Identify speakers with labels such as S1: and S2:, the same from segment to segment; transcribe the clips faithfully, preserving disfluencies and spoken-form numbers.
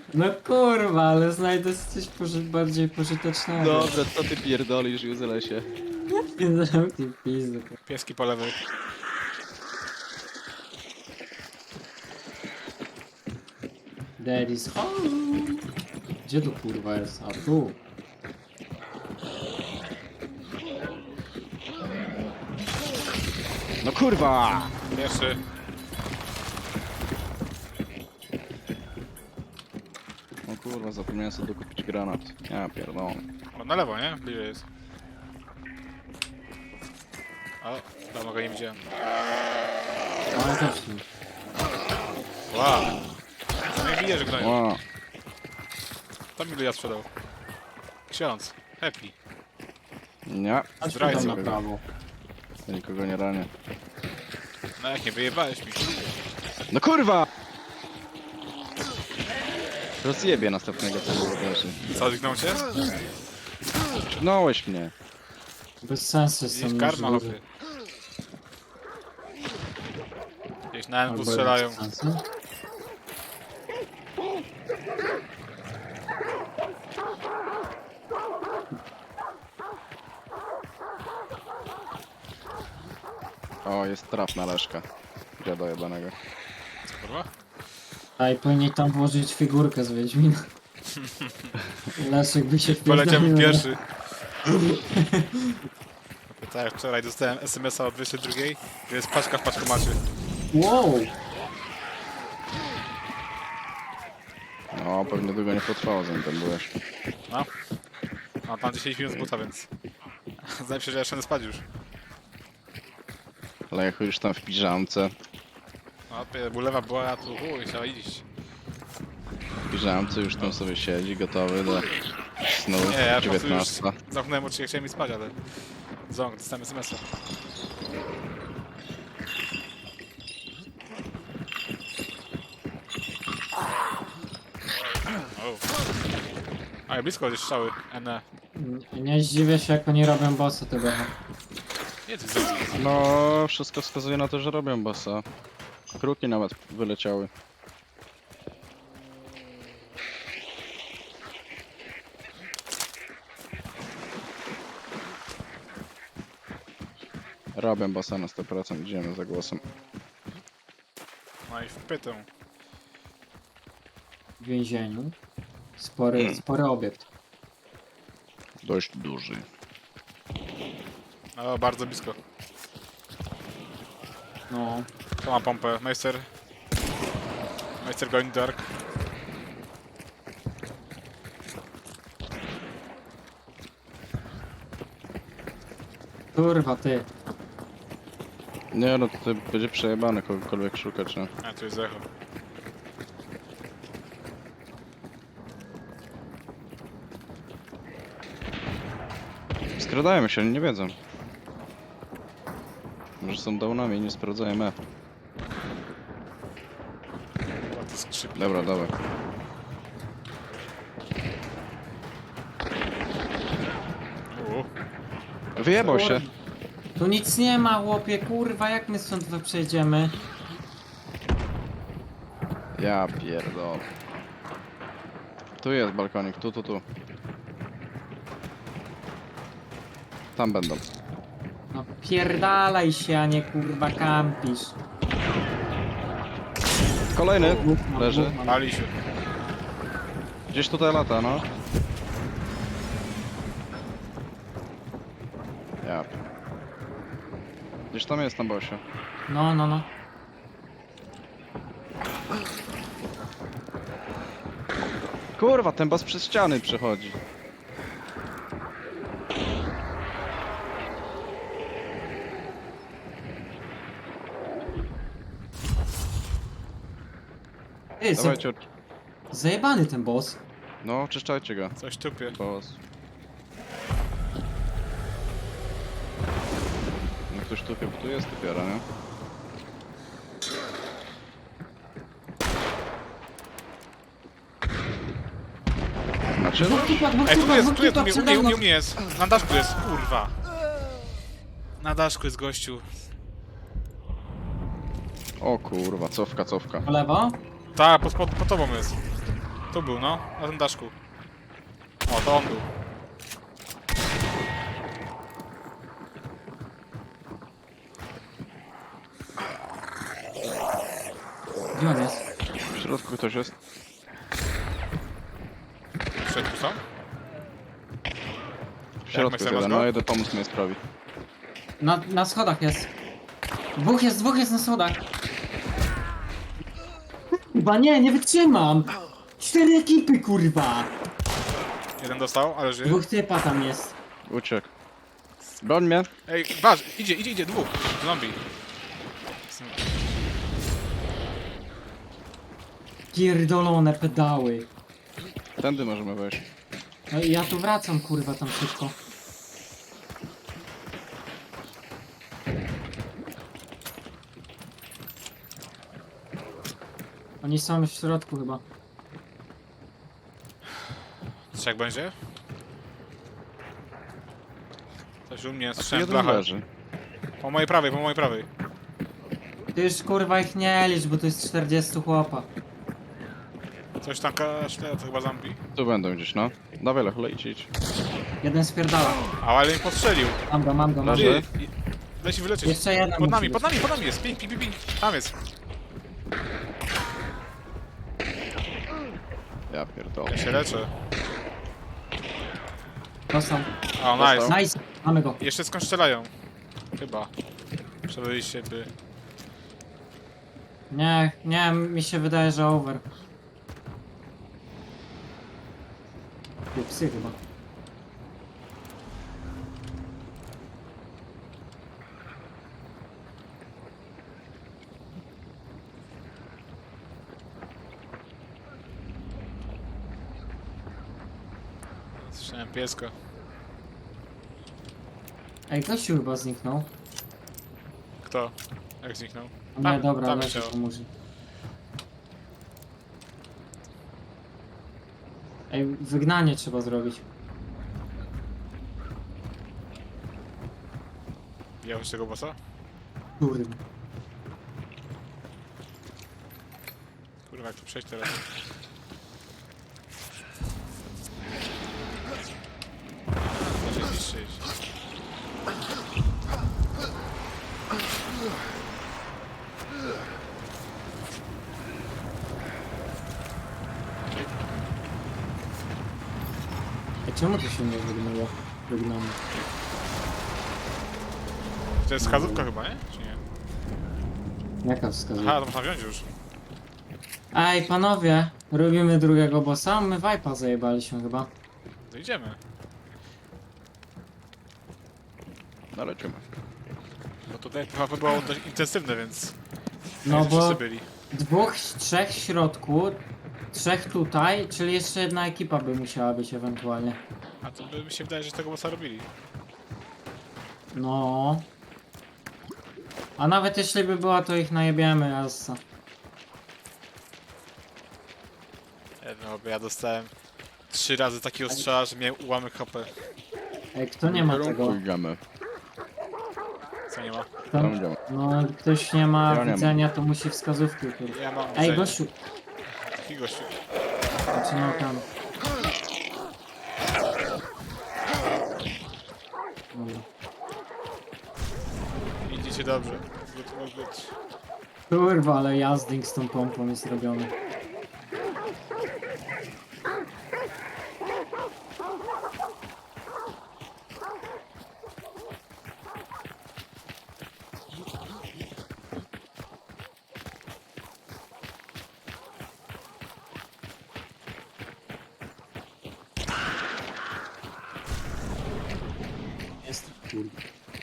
S1: No kurwa, ale znajdę coś poży bardziej pożytecznego.
S2: Dobra, co ty pierdolisz, Józelesie?
S1: Nie zamknij pizdy.
S3: Pieski po lewej.
S1: Daddy's home. Gdzie tu kurwa jest? A tu.
S2: No kurwa!
S3: Pierwszy.
S2: No kurwa, zapomniałem sobie dokupić granat. Ja pierdolę.
S3: O, na lewo, nie? Bliżej jest. O, dawno go nie widziałem.
S1: Ale też tu.
S3: Wow. No i widzę, że gnoją.
S2: Ła,
S3: Tam ilu ja sprzedał. Ksiądz. Happy.
S2: nie,
S1: Chodźmy
S3: Zdrajca.
S1: tam na prawo.
S2: ja nikogo nie ranię.
S3: No jak nie wyjebałeś mi.
S2: No kurwa! Rozjebie następnego tego leży.
S3: Co, zgnął cię?
S2: Pchnąłeś mnie.
S1: Bez sensu są
S3: Gdzieś karma,
S1: możliwe.
S3: hopy. Gdzieś na N W
S1: Albo
S3: strzelają.
S1: bez sensu.
S2: O, jest traf na Leszka. Dziada jebanego.
S3: Co, kurwa?
S1: A i powinien tam włożyć figurkę z Wiedźmina. Leszek by się
S3: Poleciałem
S1: wpierdolił.
S3: pierwszy. Tak jak wczoraj dostałem S M S-a od dwudziestej drugiej, gdzie jest paczka w paczkomacie.
S1: Wow!
S2: No, pewnie długo nie potrwało, zanim tam byłeś.
S3: No. A tam dziesięć minut z buta, więc... Zdaje mi się, że jeszcze nie spadł już.
S2: Ale jak już tam w piżamce,
S3: No, pie- bulewa była, a tu chuj, trzeba iść.
S2: w piżamce już tam sobie siedzi, gotowy do snu.
S3: Nie, ja po prostu już
S2: dziewiętnasta.
S3: zamknąłem oczy, jak chciałem mi spać, ale... Ząg, dostałem S M S-a. O. Ale blisko gdzieś strzały. N.
S1: Nie zdziwię się, jak oni robią bossy tego.
S3: Nie, ty zrobił.
S2: No, wszystko wskazuje na to, że robią bossa. Kruki nawet wyleciały. Robię bossa na sto procent, idziemy za głosem.
S3: No i wpytę.
S1: W więzieniu. Spory, spory obiekt.
S2: Dość duży.
S3: O, bardzo blisko.
S1: No.
S3: To ma pompę. Meister. Meister going dark.
S1: Kurwa ty.
S2: Nie no, to będzie przejebane kogokolwiek szukać, no.
S3: A, tu jest echo.
S2: Skradają się, oni nie wiedzą. Może są downami i nie sprawdzają E.
S3: Chyba to skrzypi.
S2: Dobra, dawaj.
S3: U.
S2: Wyjebał się.
S1: Tu nic nie ma, chłopie, kurwa, jak my stąd wy przejdziemy?
S2: Ja pierdolę. Tu jest balkonik, tu, tu, tu. Tam będą.
S1: No pierdalaj się, a nie kurwa kampisz.
S2: Kolejny
S1: Gówno,
S2: leży.
S1: gówno.
S3: Pali się.
S2: Gdzieś tutaj lata, no. Ja. Gdzieś tam jest na bosie.
S1: No, no, no.
S2: Kurwa, ten boss przez ściany przechodzi.
S1: Ty, za...
S2: Dawajcie,
S1: zajebany ten boss.
S2: no, oczyszczajcie go.
S3: Coś tupie.
S2: Boss. No ktoś tu chyba, tu jest dopiero, nie? Znaczy, no,
S1: Dwóch typach, dwóch
S3: Ej, tu
S1: typach,
S3: jest,
S1: dwóch
S3: tu jest, u
S1: typach
S3: mnie, u
S1: przede
S3: mnie, u
S1: mną.
S3: mnie, u mnie jest. Na daszku jest, kurwa. Na daszku jest gościu.
S2: o kurwa, cofka, cofka.
S1: Po lewo?
S3: Ta, pod, pod, pod tobą jest. Tu był, no, na tym daszku. O, to on był.
S1: Gdzie on jest?
S2: W środku ktoś jest.
S3: W środku są?
S2: W środku
S3: Maxer,
S2: jest jeden,
S3: masz go?
S2: no jedę pomóc Majstrowi.
S1: Na, na schodach jest. Dwóch jest, dwóch jest na schodach. Chyba nie, nie wytrzymam. Cztery ekipy, kurwa.
S3: Jeden dostał, ale żyje.
S1: Dwóch typa tam jest.
S2: Uciekł. Broń mnie.
S3: Ej, waż, idzie, idzie, idzie, dwóch. Zombie.
S1: Pierdolone pedały.
S2: Tędy możemy wejść.
S1: No i ja tu wracam, kurwa, tam szybko. Oni są w środku chyba.
S3: Trzech będzie? Coś u mnie,
S2: A tu
S3: słyszałem
S2: jeden
S3: blachę.
S2: leży.
S3: Po mojej prawej, po mojej prawej.
S1: Ty już kurwa ich nie licz, bo to jest czterdzieści chłopa.
S3: Coś tam kaszle, to chyba zombie.
S2: Tu będą gdzieś, no. Dawaj, Lech, idź, idź.
S1: Jeden spierdala.
S3: A, ale mnie postrzelił.
S1: Mam go, mam go, mam go.
S2: Leży.
S3: Ty, i- daj się wyleczyć.
S1: Jeszcze jeden
S3: Pod
S1: musi
S3: nami,
S1: być.
S3: pod nami, pod nami jest. Ping, ping, ping, ping. Tam jest.
S2: Ja pierdolę.
S3: Ja się leczę.
S1: Dostał.
S3: O,
S2: Dostał.
S3: nice.
S1: Nice, mamy go.
S3: Jeszcze skąd strzelają? Chyba. Przebyliście by.
S1: Nie, nie, mi się wydaje, że over. Tu psy chyba.
S3: Słyszałem pieska.
S1: Ej, gościu chyba zniknął.
S3: Kto? Jak zniknął?
S1: Nie,
S3: Tam-
S1: dobra,
S3: tam
S1: leży,
S3: chciał.
S1: pomóż. Ej, wygnanie trzeba zrobić.
S3: Widziałeś tego bossa?
S1: Kurwa.
S3: Kurwa, jak tu przejść teraz? Da się zniszczyć.
S1: Ej, czemu to się nie wygnało? Wygnało.
S3: To jest wskazówka chyba, nie? Czy nie?
S1: Jaka wskazówka?
S3: Aha, to można wziąć już.
S1: Ej, panowie, robimy drugiego bossa, my Vipe'a zajebaliśmy chyba.
S3: To idziemy.
S2: No lecimy.
S3: Bo tutaj P V P było dość intensywne, więc...
S1: No
S3: nie
S1: bo
S3: wszyscy byli.
S1: dwóch, trzech w środku, trzech tutaj, czyli jeszcze jedna ekipa by musiała być ewentualnie.
S3: A to by mi się wydaje, że tego bossa robili.
S1: No. A nawet jeśli by była, to ich najebiemy, jazda.
S3: Nie, no, bo ja dostałem trzy razy takiego strzała, że miałem ułamek H P.
S1: Ej, kto nie ma tego?
S2: Idziemy.
S3: Co nie ma?
S1: Kto,
S2: Tam idziemy.
S1: no, ktoś nie ma
S2: Ja nie mam.
S1: widzenia, to musi wskazówki. Kurwa.
S3: Ja mam
S1: Ej,
S3: widzenie.
S1: gościu,
S3: Taki gościu.
S1: znaczy no tam. Dobra.
S3: Idziecie dobrze. Good, good, good.
S1: Kurwa, ale jazding z tą pompą jest robiony. Jest kurwa.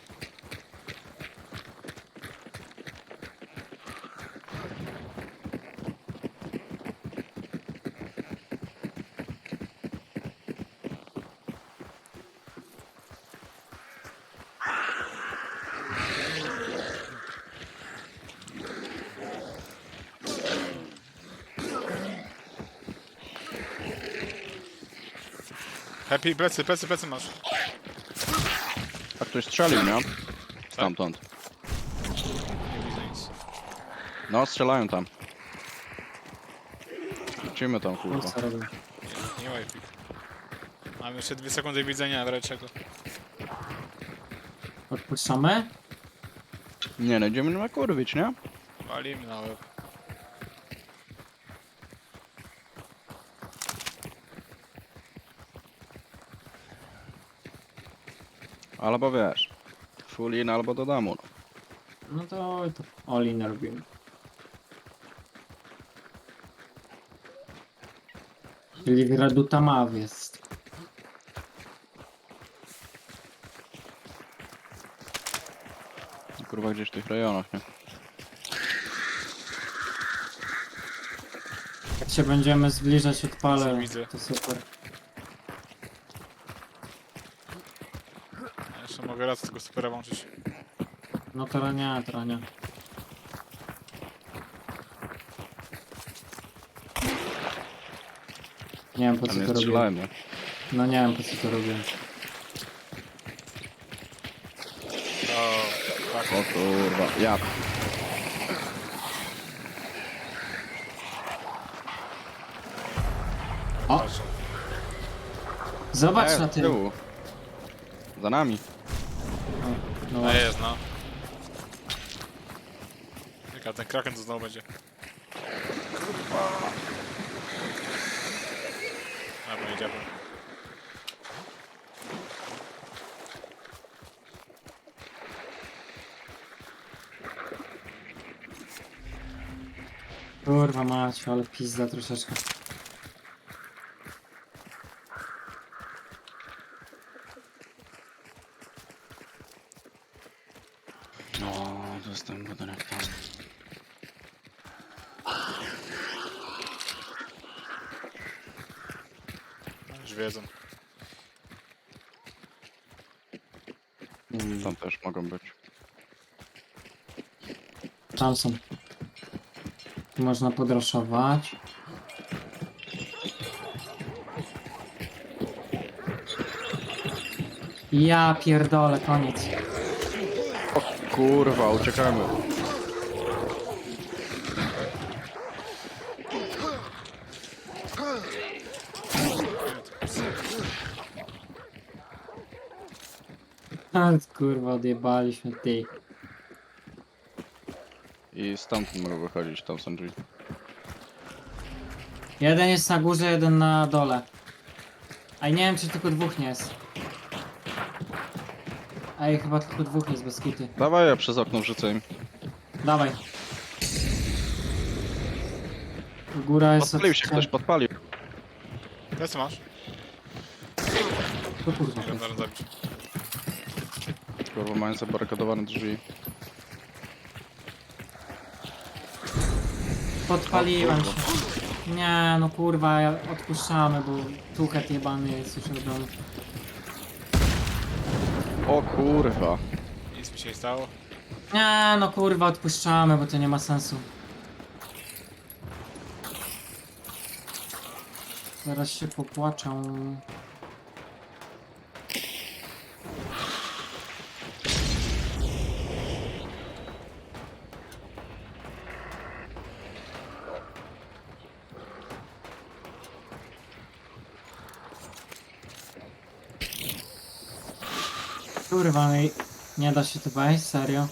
S3: Happy, plecy, plecy, plecy masz.
S2: A ktoś strzelił, nie? Stamtąd.
S3: Nie widzę nic.
S2: No, strzelają tam. Lecimy tam,
S1: No
S2: kurwa.
S1: co robię?
S3: Nie, nie łajpik. Mam jeszcze dwie sekundy widzenia, w razie czego.
S1: Odpuszczamy?
S2: Nie, no idziemy na kurwić, nie?
S3: Walimy na łeb.
S2: Albo wiesz, full in albo do domu. No.
S1: No to, to all in robimy. Czyli w Reduta Maw jest.
S2: Kurwa gdzieś w tych rejonach, nie?
S1: Jak się będziemy zbliżać odpalę,
S3: Widzę.
S1: to super.
S3: Ja jeszcze mogę raz tego supera włączyć.
S1: No to nie, to nie. Nie wiem po co
S2: Ale nie
S1: to robię.
S2: strzelałem, nie?
S1: No nie wiem po co to robię.
S3: O, tak.
S2: O kurwa, ja.
S1: O!
S3: Patrz.
S1: Zobacz
S2: E,
S1: na
S2: z
S1: tym.
S2: tyłu. Za nami.
S1: O, no
S3: No
S1: właśnie.
S3: jest, no. Jaka ten kraken to znowu będzie. Dobra, nie działa.
S1: Kurwa mać, ale pizda troszeczkę.
S2: No, to jest ten budynek tam.
S3: Już wiedzą.
S1: Mm,
S2: Tam też mogą być.
S1: Tam są. Tu można podraszować. Ja pierdolę, koniec.
S2: Kurwa, uciekamy.
S1: A, kurwa, odjebaliśmy ty.
S2: I stamtąd mogą wychodzić, tam są drzwi.
S1: Jeden jest na górze, jeden na dole. A nie wiem, czy tylko dwóch nie jest. Ej, chyba tylko dwóch jest bez kity.
S2: Dawaj, ja przez okno wrzucę im.
S1: Dawaj. Góra jest...
S2: Podpalił się
S1: od-
S2: ktoś, podpalił.
S3: Teraz co masz?
S1: To kurwa.
S3: Nie wiem, zaraz zabić.
S2: Kurwa, mają zabarykadowane drzwi.
S1: Podpaliłem
S2: O
S1: się.
S2: kurwa.
S1: Nie, no kurwa, ja- odpuszczamy, bo tuchet jebany jest już robiony.
S2: O kurwa.
S3: Nic mi się nie stało.
S1: Nie, no kurwa, odpuszczamy, bo to nie ma sensu. Zaraz się popłaczą. Kurwa, no i nie da się tu wejść, serio.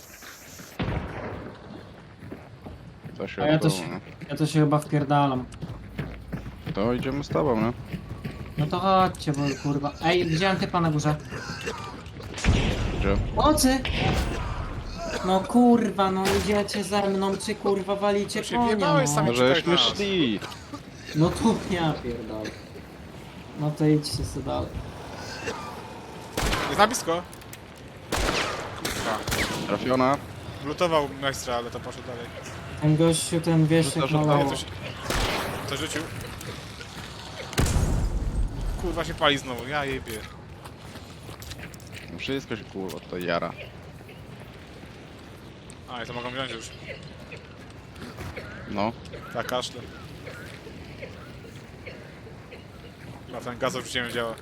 S2: To się
S1: A ja to
S2: odbyło,
S1: się-
S2: nie?
S1: Ja to się chyba wpierdalam.
S2: To idziemy z tobą, nie?
S1: No to chodźcie, bo kurwa. Ej, widziałem typa na górze.
S2: Gdzie?
S1: Mocy! No kurwa, no idziecie ze mną, czy kurwa walicie
S3: To się
S1: konia,
S3: wjebałeś
S1: no.
S3: sami.
S2: No
S3: czekaj
S2: żeśmy
S3: na nas.
S2: szli.
S1: No tu ja pierdolę. No to idźcie sobie dalej.
S3: Jest na blisko. Kurwa.
S2: Trafiona.
S3: Lutował majstra, ale to poszedł dalej.
S1: Ten gościu, ten wieszek
S2: Rzucasz
S1: na
S2: od
S3: Nie,
S1: lewo.
S3: to, się... to rzucił. Kurwa się pali znowu, ja jebie.
S2: Wszystko się kurwa to jara.
S3: A, i to mogą wziąć już.
S2: No.
S3: Tak, kaszle. Na ten gaz wrzuciłem działa.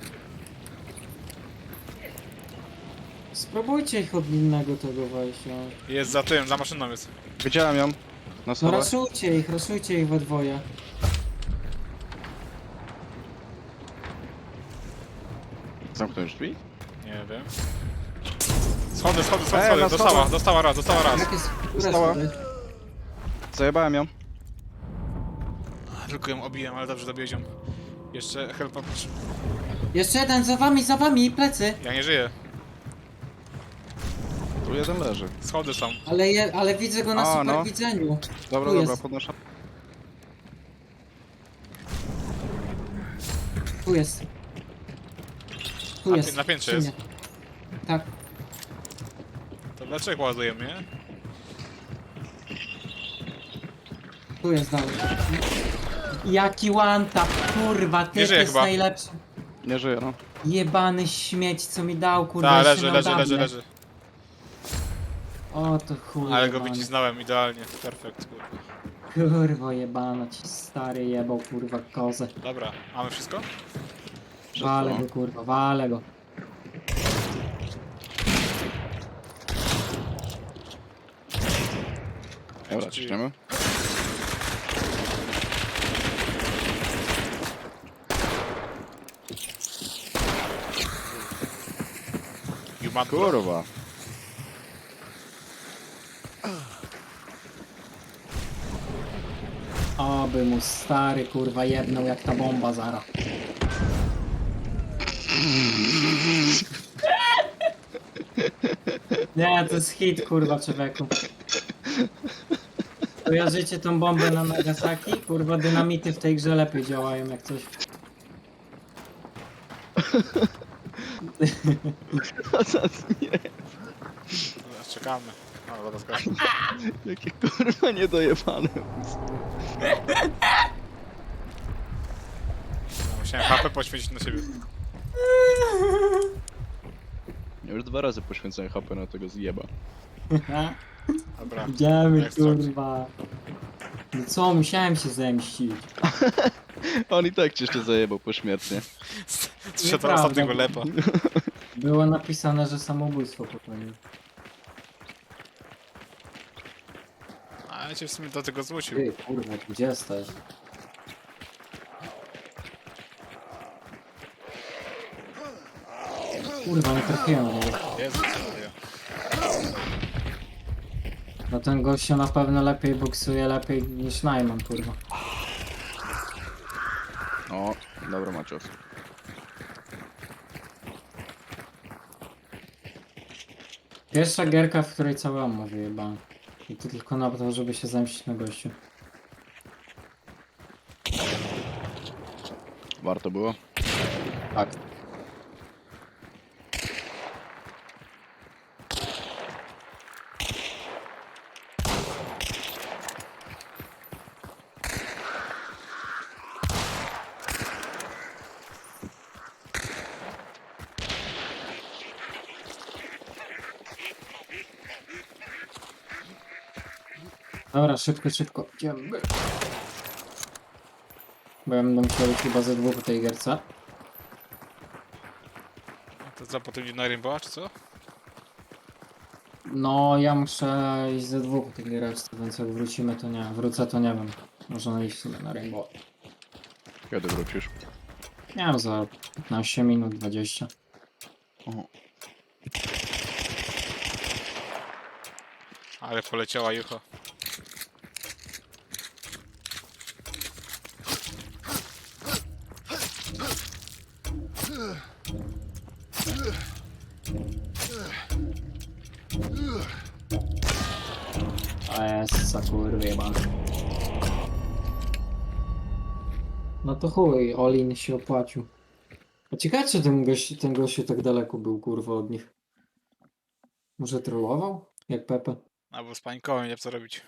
S1: Spróbujcie ich od innego tego wejść, no.
S3: Jest za tym, za maszyną jest.
S2: Widziałem ją. Na
S1: No
S2: schodach.
S1: raszujcie ich, raszujcie ich we dwoje.
S2: Zamknąłeś drzwi?
S3: Nie wiem. Schody, schody, schody,
S2: Ej,
S3: schody.
S2: na
S3: Dostała,
S2: schodach.
S3: dostała raz, dostała raz.
S1: Jak jest? Które
S2: Została.
S1: schody?
S2: Zajebałem ją.
S3: Tylko ją obiłem, ale dobrze dobiłeś ją. Jeszcze helpa potrzebuję.
S1: Jeszcze jeden, za wami, za wami, plecy.
S3: Ja nie żyję.
S2: Tu jeden leży.
S3: Schody są.
S1: Ale, je, ale widzę go na
S2: A, no.
S1: superwidzeniu.
S2: Dobra,
S1: Tu
S2: dobra,
S1: jest.
S2: podnoszę.
S1: Tu jest. Tu
S3: Na
S1: jest.
S3: pi- na piętrze
S1: przy
S3: jest.
S1: mnie. Tak.
S3: To dlaczego ładujemy, nie?
S1: Tu jest dalej. Jaki one tap, kurwa, ty
S3: żyje
S1: jest
S3: chyba.
S1: najlepszy.
S2: Nie żyje, no.
S1: Jebany śmieć, co mi dał, kurwa,
S3: Tak,
S1: jeszcze
S3: leży,
S1: nam
S3: leży, leży,
S1: dawne.
S3: leży.
S1: O, to chuj
S3: Ale go
S1: jebany.
S3: wycisnąłem idealnie. Perfekt, kurwa.
S1: Kurwa jebana, ci stary jebał, kurwa, kozę.
S3: Dobra, mamy wszystko?
S1: Wale
S2: Wszystko.
S1: go, kurwa, wale go.
S2: Dobra,
S3: Czyli-
S2: ciśniemy.
S3: You mad bro.
S2: Kurwa.
S1: Oby mu stary, kurwa, jebnął jak ta bomba zara. Nie, to jest hit, kurwa, człowieku. Kojarzycie tą bombę na Nagasaki? Kurwa, dynamity w tej grze lepiej działają jak coś.
S2: Nie.
S3: Dobra, czekamy. No, dobra, zgadzam.
S2: Jakie kurwa niedojebane.
S3: No, musiałem H P poświęcić na siebie.
S2: Ja już dwa razy poświęcałem H P na tego zjeba.
S3: Dobra.
S1: Idziemy,
S3: Jak start?
S1: kurwa. No co, musiałem się zemścić.
S2: On i tak cię jeszcze zajebał pośmiertnie.
S3: Trzeba
S1: Nieprawda.
S3: ostatniego lepa.
S1: Było napisane, że samobójstwo popełnił.
S3: A ja cię w sumie do tego zmusił.
S1: Ty, kurwa, gdzie jesteś? Kurwa, nie trafiłem na niego.
S3: Jezu, co ja.
S1: No ten gościu na pewno lepiej boksuje, lepiej niż Najman, kurwa.
S2: O, dobra Macios.
S1: Pierwsza gierka, w której cały ammo wyjebałem. I to tylko na to, żeby się zemścić na gościu.
S2: Warto było?
S1: Tak. Dobra, szybko, szybko. Idziemy. Bo ja będę musiał iść chyba ze dwóch w tej gierce.
S3: To co, potem idzie na Rainbowa, czy co?
S1: No, ja muszę iść ze dwóch w tej gierce, więc jak wrócimy to nie, wrócę to nie wiem. Można iść sobie na Rainbow.
S2: Kiedy wrócisz?
S1: Nie wiem, za piętnaście minut, dwadzieścia.
S2: O,
S3: Ale poleciała jucha.
S1: A jest, za kurwa jebany. No to chuj, Olin się opłacił. A ciekawe, czy ten gość, ten gościu tak daleko był, kurwa, od nich. Może trollował? Jak Pepe.
S3: Albo z panikowym, nie wiem co robić.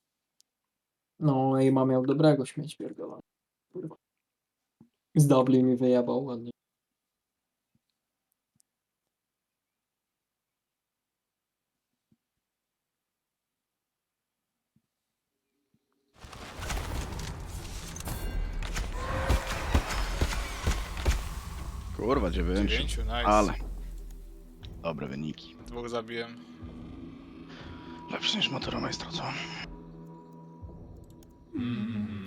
S1: No i ma miał dobrego śmieć pierdolony. Kurwa. Z Dublin mi wyjebał ładnie.
S2: kurwa, dziewięciu.
S3: Dziewięciu, nice.
S2: Ale. Dobre wyniki.
S3: Dwóch zabiłem.
S2: Lepszy niż Motoromajstra, co?